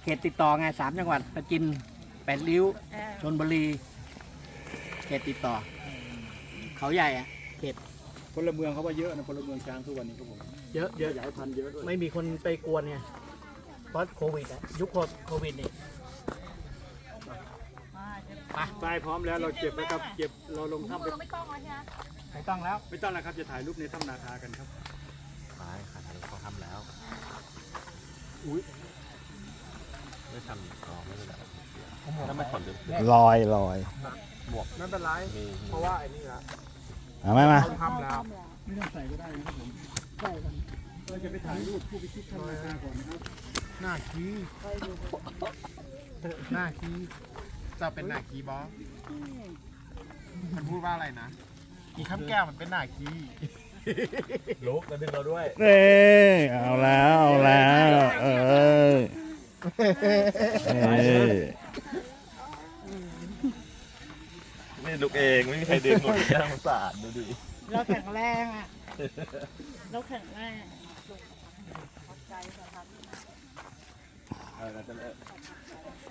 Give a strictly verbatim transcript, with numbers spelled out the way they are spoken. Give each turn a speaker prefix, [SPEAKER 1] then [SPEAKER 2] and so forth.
[SPEAKER 1] เขตติดต่อไงสามจังหวัดประจินแปดริ้ว
[SPEAKER 2] เออ
[SPEAKER 1] ชลบุรีเขตติดต่อ เขาใหญ่อะเขต
[SPEAKER 3] พลเมืองเขาว่าเยอะนะพลเมืองช้างทุกวันนี้ครับผม
[SPEAKER 1] เยอะเยอะ
[SPEAKER 3] ขยายพันธุ์เยอะด้วย
[SPEAKER 1] ไม่มีคนไปกวนไงเพราะโควิดอะยุคโควิดนี่
[SPEAKER 2] มาเดี๋ยว
[SPEAKER 1] ไป
[SPEAKER 3] ทรายพร้อมแล้วเราเก็บแล้วครับเก็บเราลง
[SPEAKER 2] ถุง
[SPEAKER 3] ถ้ำไป
[SPEAKER 2] มือไม่ต้องแล้วใช่ไหม
[SPEAKER 1] ไม่ต้องแล้ว
[SPEAKER 3] ไม่ต้องแล้วครับจะถ่ายรูปในถ้ำนาคากันครับ
[SPEAKER 4] ไปขาดเขาทำแล้ว
[SPEAKER 1] อุ้ย
[SPEAKER 4] ไม่ทำอ๋อไม่เป็นไรถ้าไม่ขนเดิม
[SPEAKER 5] ลอยลอย
[SPEAKER 4] หมวก
[SPEAKER 3] ไม่เป็นไร
[SPEAKER 4] มี
[SPEAKER 3] เพราะว่าไอ้นี่ละ
[SPEAKER 5] เอาไหมมา
[SPEAKER 3] ทำแล้วไม่ต้องใส่ก็ได้นะครับผมเราจะไปถ่ายรูปผู้พิชิตถ้ำนาคาก่อนนะครับ
[SPEAKER 4] หน้าคีหน้าคีจะเป็นหน้าคีบอสมันพูดว่าอะไรนะอีข้ามแก้วมันเป็นหน้าคีลุกแล้วดึงเราด้วย
[SPEAKER 5] เอ้ยเอาแล้วเอาแล้วเออเอ้ย
[SPEAKER 4] ไม่ลุกเองไม่มีใครดึงหมดน่าสงสารดูดิ
[SPEAKER 2] เราแข็งแรงอ่ะเราแข็งแรงขอบใจสำหรับ
[SPEAKER 4] เออเราจะเลิก